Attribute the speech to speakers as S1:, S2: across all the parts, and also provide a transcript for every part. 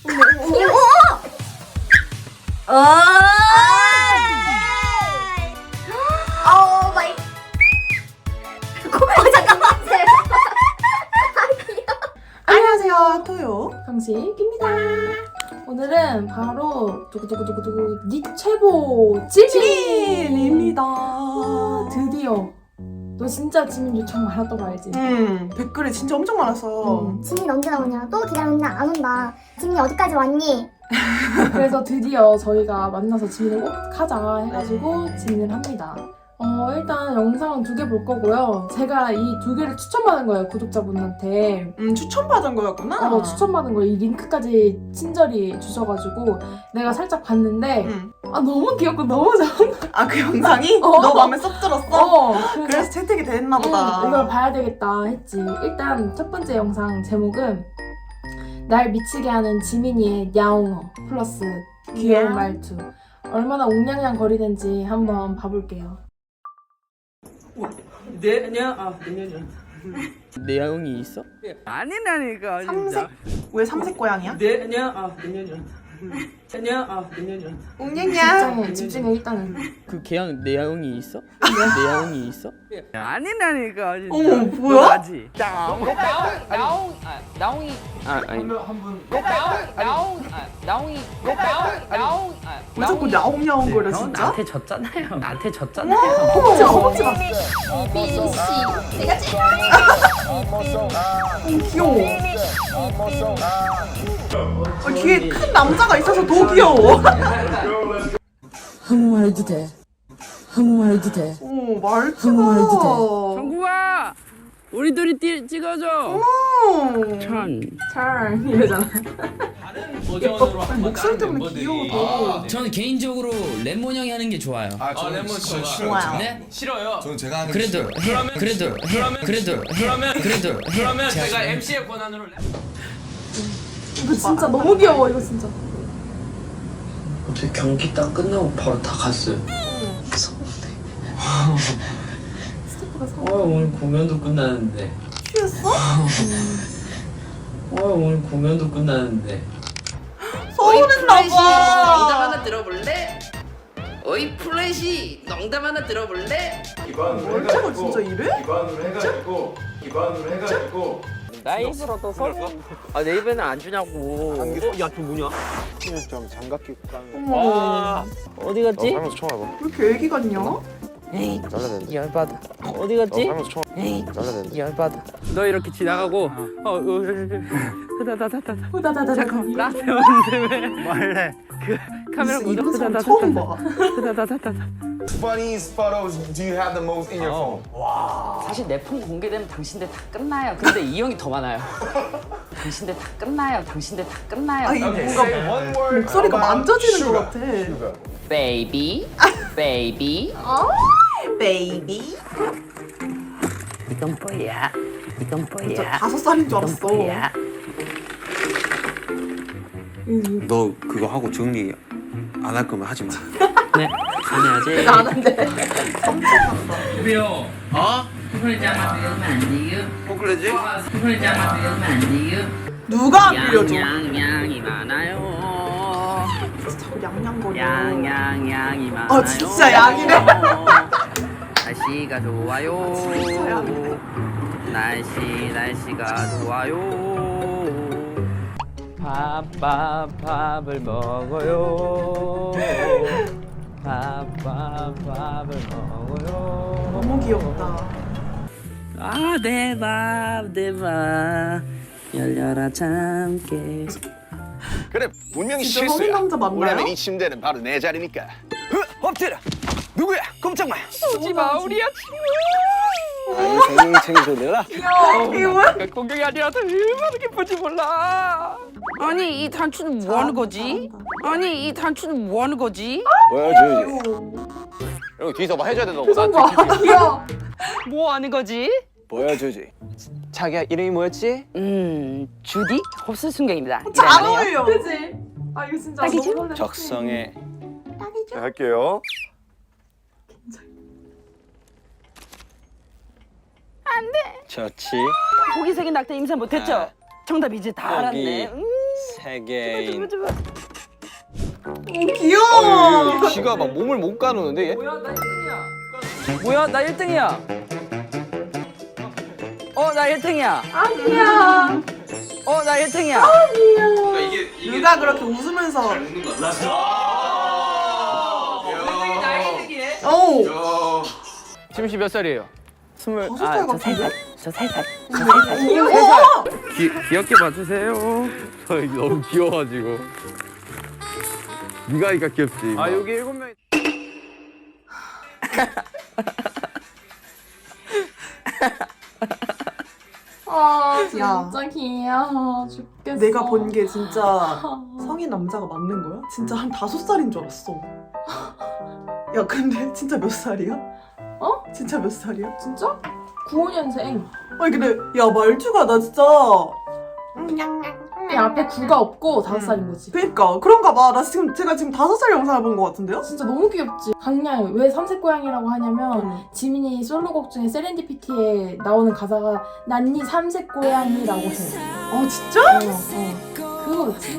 S1: 오 마이. 잠깐만.
S2: 안녕하세요, 토요.
S3: 강식입니다. 오늘은 바로 두구두구두구두구 니체보 지민입니다. 드디어 너 진짜 지민 요청 많았던 거 알지?
S2: 댓글이 진짜 엄청 많았어.
S1: 지민 언제 나오냐? 또 기다렸는데 안 온다. 지민이 어디까지 왔니?
S3: 그래서 드디어 저희가 만나서 지민을 꼭 하자 해가지고 지민을 합니다. 일단 영상 2개 볼 거고요. 제가 이 2개를 추천받은 거예요, 구독자분한테.
S2: 추천받은 거였구나.
S3: 추천받은 거 이 링크까지 친절히 주셔가지고 내가 살짝 봤는데 너무 귀엽고 너무 좋은 거.
S2: 아, 그 영상이? 너 마음에 쏙 들었어? 그래서 채택이 됐나 보다.
S3: 이걸 봐야 되겠다 했지. 일단 첫 번째 영상 제목은 날 미치게 하는 지민이의 야옹어 플러스 귀여운 말투. 얼마나 옹냥냥 거리는지 한번 봐볼게요.
S4: 내 야옹이 있어? 아니라니까 진짜.
S2: 삼색? 왜 삼색 고양이야? 웅냥냥.
S3: 집중해 일단은.
S4: 그 개양 내 야옹이 있어? 내 야옹이 있어? 아니라니까 진짜.
S2: 어머, 뭐야?
S4: 맞지? 나옹이 아니
S2: 왜 자꾸 야옹야옹 거려, 진짜?
S4: 나한테 졌잖아요. 나한테
S2: 어,
S4: 졌잖아요.
S2: 허벅지 봐. 귀여워. 뒤에 큰 남자가 있어서 더 귀여워.
S5: 한국말 해도 돼. 한국말 해도 돼.
S2: 말투가.
S4: 정국아, 우리 둘이 찍어줘. 천.
S3: 잘 이러잖아.
S2: 목소리 때문에 귀여워.
S6: 저는 개인적으로 레몬 형이 하는 게 좋아요.
S7: 저는 진짜
S2: 좋아요.
S6: 네?
S7: 싫어요. 저는 제가 하는 게
S6: 그래도
S7: 싫어요.
S6: 그래도
S7: 제가 MC의 권한으로
S3: 이거 진짜 너무 귀여워 이거 진짜.
S8: 어제 경기 딱 끝나고 바로 다 갔어요.
S3: 스태프가
S8: 오늘 공연도 끝나는데.
S2: 취했어?
S8: 오늘 공연도 끝나는데.
S2: 서운했나봐.
S9: 농담 하나 들어볼래? 어이 플래시 농담 하나 들어볼래?
S2: 얼차가 진짜 이래?
S7: 기반으로 해가지고
S4: 나 입을 얻어서? 내 입에는 안 주냐고. 야, 저 뭐냐?
S7: 좀 장갑 끼고 가는
S2: 어머.
S4: 어디 갔지?
S7: 살면서 처음 와봐.
S2: 왜 이렇게 애기 같냐?
S4: 에이,
S7: 잘라야 되는데.
S4: 열받아. 어디 갔지?
S7: 살면서 처음
S4: 에이,
S7: 잘라야 되는데.
S4: 열받아. 너 이렇게 지나가고, 다다다다다.
S3: 후다다다다.
S4: 잠깐, 나한테 오는데 왜? 말래. 그 카메라
S2: 이런
S4: 보자.
S2: 사람 처음 봐.
S4: 다다다다다.
S7: Funniest photos do you have the most in your phone?
S9: 사실 내 폰 공개되면 당신들 다 끝나요. 근데 이 형이 더 많아요. 당신들 다 끝나요. 당신들 다 끝나요.
S2: 아니, 뭔가 목소리가 만져지는 것 같아.
S9: 베이비, 베이비.
S2: 베이비.
S4: 이건 뭐야? 이건
S2: 진짜
S4: 뭐야?
S2: 5살인 줄 알았어.
S4: 뭐야?
S10: 너 그거 하고 정리 안 할 거면 하지 마.
S4: 네, 안 해야지.
S2: 안 한대.
S6: 왜요? 초콜릿장만 먹으면 안 돼요?
S10: 포클레지?
S6: 초콜릿장만 먹으면 안 돼요?
S2: 누가 안 빌려줘?
S4: 양양이 많아요.
S2: 자꾸 양양거려.
S4: 양양이 많아요.
S2: 진짜 양이네.
S4: 날씨가 좋아요.
S2: 진짜 양이네.
S4: 날씨가 좋아요. 밥을 먹어요. 밥을 먹어요.
S2: 너무 귀엽다.
S4: 내 밥 열려라 참깨.
S7: 그래 분명히
S2: 진짜 성인 남자 맞나요?
S7: 왜냐면 이 침대는 바로 내 자리니까. 엎드려. 누구야? 꼼짝 마.
S4: 쏘지 마 우리야
S7: 생일 챙겨줘라.
S2: 이게 뭐야?
S4: 공격이 아니라서 얼마나 기쁜지 몰라. 아니 이 단추는 뭐 하는 거지? 아니 이 단추는 뭐 하는 거지?
S7: 보여주지. 이거 뒤에서 뭐 해줘야 된다고.
S2: 표정 봐. 귀여워.
S4: 뭐 하는 거지?
S7: 보여주지. 자기야 이름이 뭐였지?
S4: 주디 홉스 순경입니다.
S2: 잘 어울려. 그치? 이거 진짜
S4: 딱이죠?
S2: 너무 설레.
S7: 적성에.
S2: 딱이죠?
S7: 할게요.
S4: 안 돼.
S7: 좋지.
S4: 호기색인 낙타 임산 못했죠? 정답 이제 다
S7: 여기.
S4: 알았네.
S7: 세계인.
S2: 귀여워.
S7: 쥐가 막 몸을 못 가누는데 얘?
S9: 뭐야 나 1등이야. 뭐야 나 1등이야. 나 1등이야.
S3: 아니야.
S9: 나 1등이야.
S2: 누가 그렇게 웃으면서. 오.
S9: 지민 씨 몇 살이에요?
S2: 5살 같은데?
S9: 저 3살.
S10: 귀엽게 봐주세요. 저 너무 귀여워가지고. 네가 하니까 귀엽지.
S7: 아 여기 7명.
S3: 아
S2: 야.
S3: 진짜 귀여워 죽겠어.
S2: 내가 본 게 진짜 성인 남자가 맞는 거야? 진짜 한 5살인 줄 알았어. 야 근데 진짜 몇 살이야?
S3: 어?
S2: 진짜 몇 살이야?
S3: 진짜? 95년생.
S2: 아니 근데 야 말투가 나 진짜
S3: 야, 앞에 9가 없고 5살인 거지.
S2: 그니까 그런가 봐. 제가 지금 5살 영상을 본 것 같은데요?
S3: 진짜 너무 귀엽지. 강야에 왜 삼색 고양이라고 하냐면 지민이 솔로곡 중에 세렌디피티에 나오는 가사가 난 네 삼색 고양이라고 해.
S2: 아 진짜?
S3: 그거지.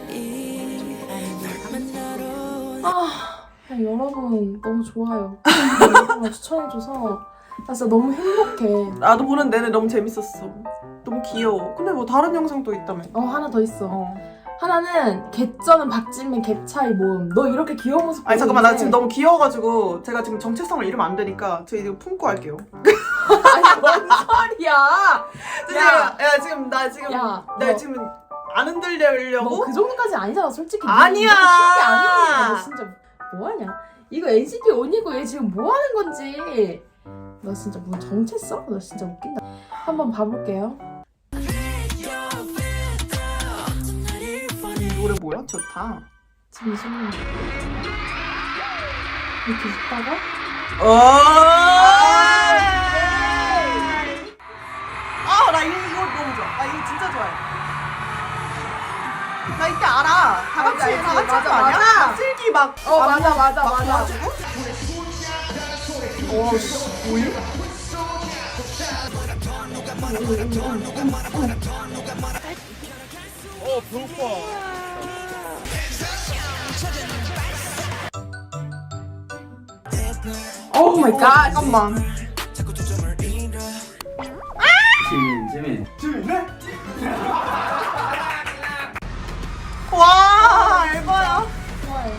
S3: 여러분 너무 좋아요. 정말 추천해줘서 나 진짜 너무 행복해.
S2: 나도 보는 내내 너무 재밌었어. 너무 귀여워. 근데 뭐 다른 영상도 있다며.
S3: 하나 더 있어. 하나는 개쩌는 박진민 갭차이 모음. 너 이렇게 귀여운 모습
S2: 아니 잠깐만 나
S3: 보이는데
S2: 지금 너무 귀여워가지고 제가 지금 정체성을 잃으면 안 되니까 저 이거 품고 할게요.
S3: 아니 뭔 소리야.
S2: 야 지금 나 지금
S3: 야,
S2: 내가
S3: 너-
S2: 지금 안 흔들려고?
S3: 너 그 정도까지 아니잖아 솔직히.
S2: 아니야.
S3: 쉽게 아니야. 너 진짜 뭐하냐. 이거 NCT 온이고 얘 지금 뭐하는 건지. 너 진짜 뭔 정체성? 너 진짜 웃긴다. 한번 봐볼게요.
S2: 이 노래 뭐야? 좋다.
S3: 지금 소문 이렇게 있다가
S2: 나 이거 너무 좋아. 나 이거 진짜 좋아해. 나 이때 알아. 다 같이
S3: 알지,
S2: 다 같이
S3: 맞아,
S2: 한 거 아니야?
S3: 맞아.
S2: 막 슬기 막
S3: 맞아.
S2: 도와주고? 뭐야?
S3: 오 마이 갓.
S2: 잠깐만.
S6: 지민.
S2: 와, 알바야.
S3: 좋아요.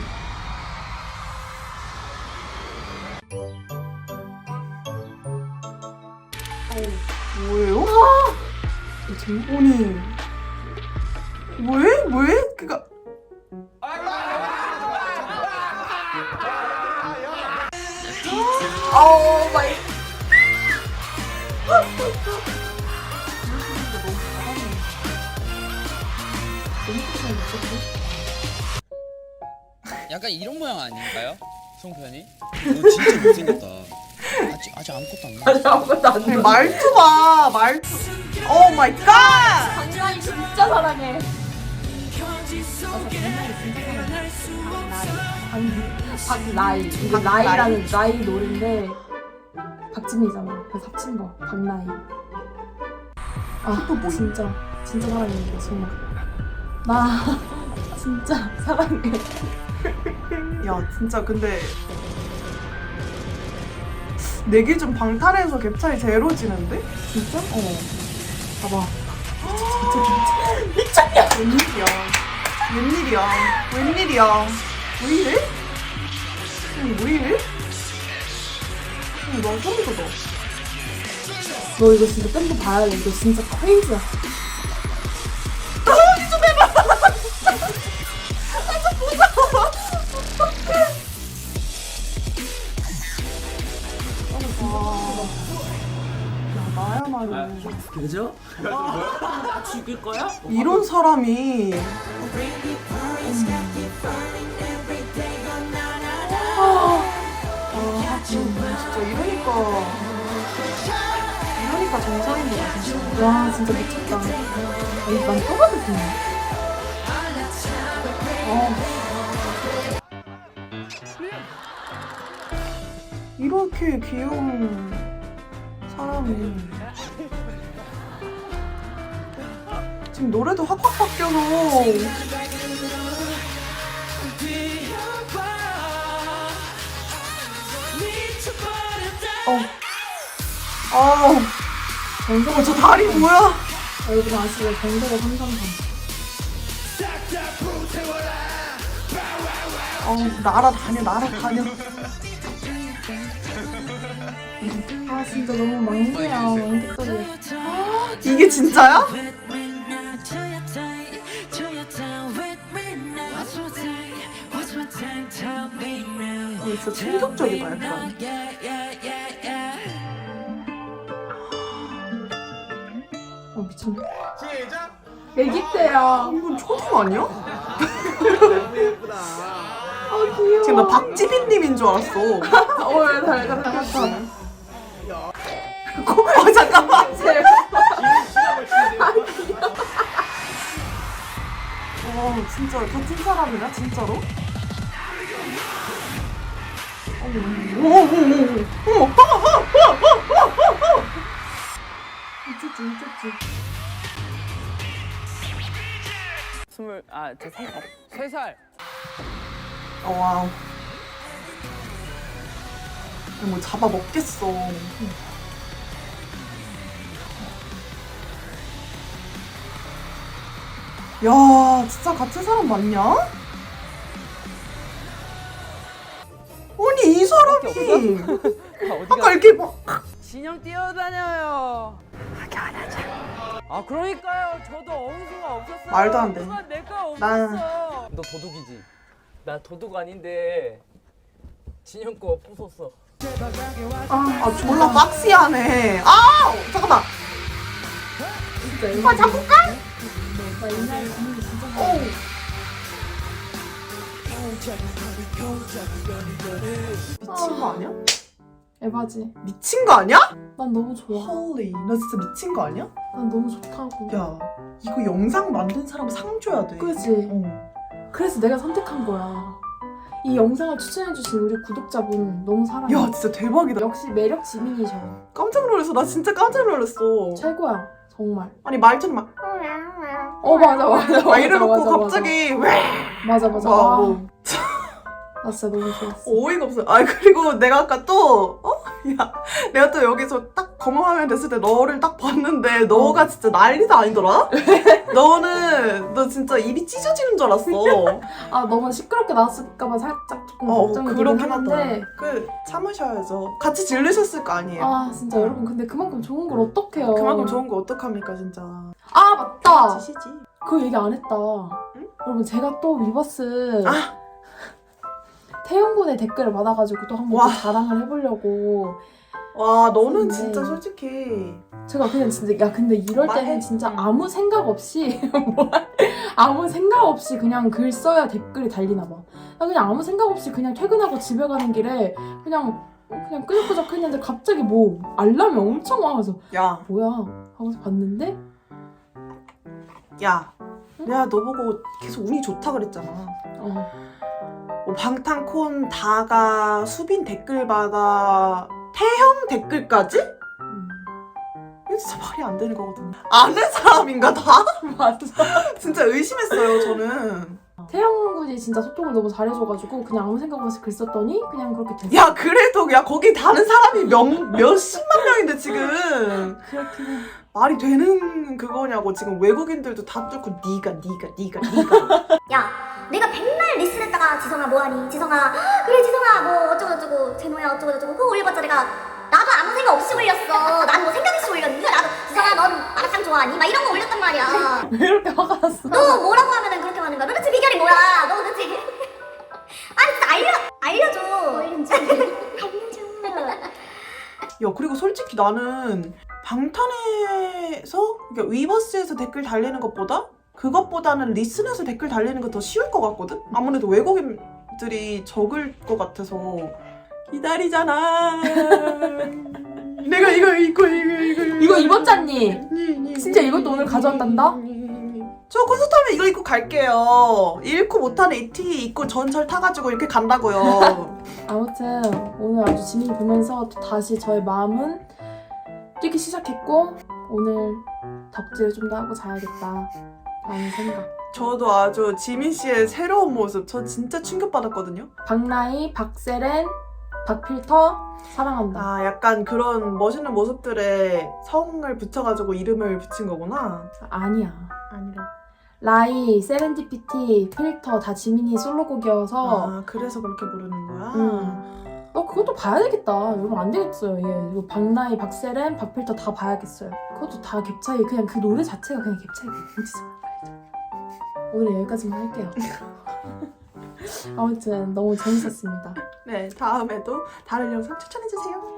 S2: 뭐예요? 아니. 왜? 그니까.
S3: 오 마이.
S6: 약간 이런 모양 아닌가요? 송편이? 너 진짜 못생겼다. 아직 아무것도 안 나왔어.
S3: 아무것도 안 돼.
S2: 말투 봐, 말투. 오 마이 갓!
S3: 강나이 진짜 사랑해. 박나이. 이게 나이라는 나이 노래인데 박진미잖아. 그래서 합친 거. 박나이. 진짜 사랑해 이거 정말. 나 진짜 사랑해.
S2: 야, 진짜 근데 내 기준 방탈에서 갭 차이 제로지는데?
S3: 진짜? 봐봐.
S2: 미쳤냐? 웬일이야? 왜 이래? 왜 이래? 나 소리 돋아.
S3: 너 이거 진짜 밴드 봐야 돼. 이거 진짜 크레이지야.
S2: 나야말로
S6: 그죠?
S4: 죽일 거야?
S2: 이런 사람이 진짜 이러니까 정상인 거야 진짜.
S3: 와 진짜 미쳤다. 아니 난또 봐도 좋네.
S2: 이렇게 귀여운 사람이 지금 노래도 확확 바뀌어서.
S3: 정석을
S2: 저 다리 뭐야?
S3: 여러분 아시죠? 정석을 333.
S2: 날아다녀.
S3: 아 진짜 너무 막내야. 왕빛돌이.
S2: 이게 진짜야? 진짜 충격적이다 약간.
S3: 미쳤네. 애기 때야.
S2: 이건 초딩 아니야?
S3: 아 귀여워.
S2: 지금 나 박지빈님인 줄 알았어.
S3: 왜 닮았다.
S2: 잠깐만. 진짜 같은 사람이야 진짜로?
S3: 미쳤지.
S9: 저 3살.
S2: 와우. 뭐 잡아 먹겠어. 야, 진짜 같은 사람 맞냐? 아니 이 사람이 아까 이렇게 막
S4: 진영 뛰어다녀요. 아 그러니까요. 저도 어우수가 없었어요.
S2: 말도 안 돼.
S4: 누가 내가 없었어.
S2: 난-
S9: 너 도둑이지? 나 도둑 아닌데 진영 거 부쉈어.
S2: 졸라 박시하네. 잠깐만.
S3: 진짜
S2: 자꾸 까?
S3: 나 옛날에 분위기 진짜
S2: 미친 거 아니야?
S3: 에바지.
S2: 미친 거 아니야?
S3: 난 너무 좋아.
S2: 헐리, 나 진짜 미친 거 아니야?
S3: 난 너무 좋다고.
S2: 야, 이거 영상 만든 사람 상 줘야 돼.
S3: 그지?
S2: 어.
S3: 그래서 내가 선택한 거야. 이 영상을 추천해주신 우리 구독자분 너무 사랑해.
S2: 야, 진짜 대박이다.
S3: 역시 매력 지민이셔.
S2: 깜짝 놀랐어. 나 진짜 깜짝 놀랐어.
S3: 최고야. 정말.
S2: 아니 말투는 막
S3: 맞아.
S2: 이래놓고 갑자기 왜?
S3: 맞아.
S2: 와, 뭐.
S3: 나 진짜 너무 좋았어.
S2: 어이가 없어. 그리고 내가 아까 또 야, 내가 또 여기서 딱 검은 화면 됐을 때 너를 딱 봤는데 너가 진짜 난리도 아니더라? 너 진짜 입이 찢어지는 줄 알았어.
S3: 너무 시끄럽게 나왔을까봐 살짝 조금 걱정이 되긴
S2: 그렇긴 하다.
S3: 하는데.
S2: 참으셔야죠. 같이 질르셨을 거 아니에요.
S3: 진짜 여러분 근데 그만큼 좋은 걸 어떡해요.
S2: 그만큼 좋은 거 어떡합니까 진짜.
S3: 맞다.
S2: 지시지.
S3: 그 얘기 안 했다.
S2: 응?
S3: 여러분 제가 또 위버스
S2: 아!
S3: 태용군의 댓글을 받아가지고 또 한번
S2: 와.
S3: 또 자랑을 해보려고.
S2: 와, 너는
S3: 근데-
S2: 진짜 솔직히
S3: 제가 그냥 진짜 근데 이럴
S2: 말해.
S3: 때는 진짜
S2: 응.
S3: 아무 생각 없이 아무 생각 없이 그냥 글 써야 댓글이 달리나 봐. 나 그냥 아무 생각 없이 그냥 퇴근하고 집에 가는 길에 그냥 끄적끄적 했는데 갑자기 뭐 알람이 엄청 와서
S2: 야,
S3: 뭐야 하고서 봤는데
S2: 야, 내가 너 보고 계속 운이 좋다 그랬잖아. 뭐 방탄콘 다가 수빈 댓글 받아 태형 댓글까지? 이거 진짜 말이 안 되는 거거든요. 아는 사람인가 다?
S3: 맞아.
S2: 진짜 의심했어요 저는.
S3: 태영 군이 진짜 소통을 너무 잘해줘가지고 그냥 아무 생각 없이 글 썼더니 그냥 그렇게 됐어.
S2: 야 그래도 야 거기 다는 사람이 몇십만 명인데 지금
S3: 그렇긴 해.
S2: 말이 되는 그거냐고. 지금 외국인들도 다 뚫고 니가
S1: 야, 내가 백날 리스했다가 지성아 뭐하니? 지성아 그래 지성아 뭐 어쩌고저쩌고 제노야 어쩌고저쩌고 그거 올려봤자 내가 나도 아무 생각 없이 올렸어. 난 뭐 생각 없이 올렸는데 나도 지성아 넌 마라탕 좋아하니? 막 이런 거 올렸단 말이야.
S3: 왜 이렇게 화가 났어?
S1: 너 뭐라고 하면은 그렇게 하는 거야? 도대체 비결이 뭐야? 너 도대체 진짜 알려줘. 알려줘.
S2: 야 그리고 솔직히 나는 방탄에서 그러니까 위버스에서 댓글 달리는 그것보다는 리슨에서 댓글 달리는 거 더 쉬울 것 같거든? 아무래도 외국인들이 적을 것 같아서 기다리잖아. 내가
S3: 이거 입었잖니? 진짜 이것도 오늘 가져왔단다?
S2: 저 콘서트 하면 이거 입고 갈게요. 잃고 못하는 이 티 입고 전철 타가지고 이렇게 간다고요.
S3: 아무튼 오늘 아주 지민이 보면서 또 다시 저의 마음은 뛰기 시작했고 오늘 덕질을 좀 더 하고 자야겠다. 라는 생각.
S2: 저도 아주 지민 씨의 새로운 모습 저 진짜 충격받았거든요.
S3: 박나희, 박세렌, 박필터 사랑한다.
S2: 아 약간 그런 멋있는 모습들에 성을 붙여가지고 이름을 붙인 거구나.
S3: 아니야.
S2: 아니라.
S3: 라이, 세렌디피티, 필터 다 지민이 솔로곡이어서
S2: 아 그래서 그렇게 부르는 거야.
S3: 너 그것도 봐야 되겠다. 이러면 안 되겠어요. 얘 이거 박나희, 박세렌, 박필터 다 봐야겠어요. 그것도 다 갭 차이. 그냥 그 노래 자체가 그냥 갭 차이가 진짜 알죠. 오늘 여기까지만 할게요. 아무튼 너무 재밌었습니다.
S2: 네 다음에도 다른 영상 추천해주세요.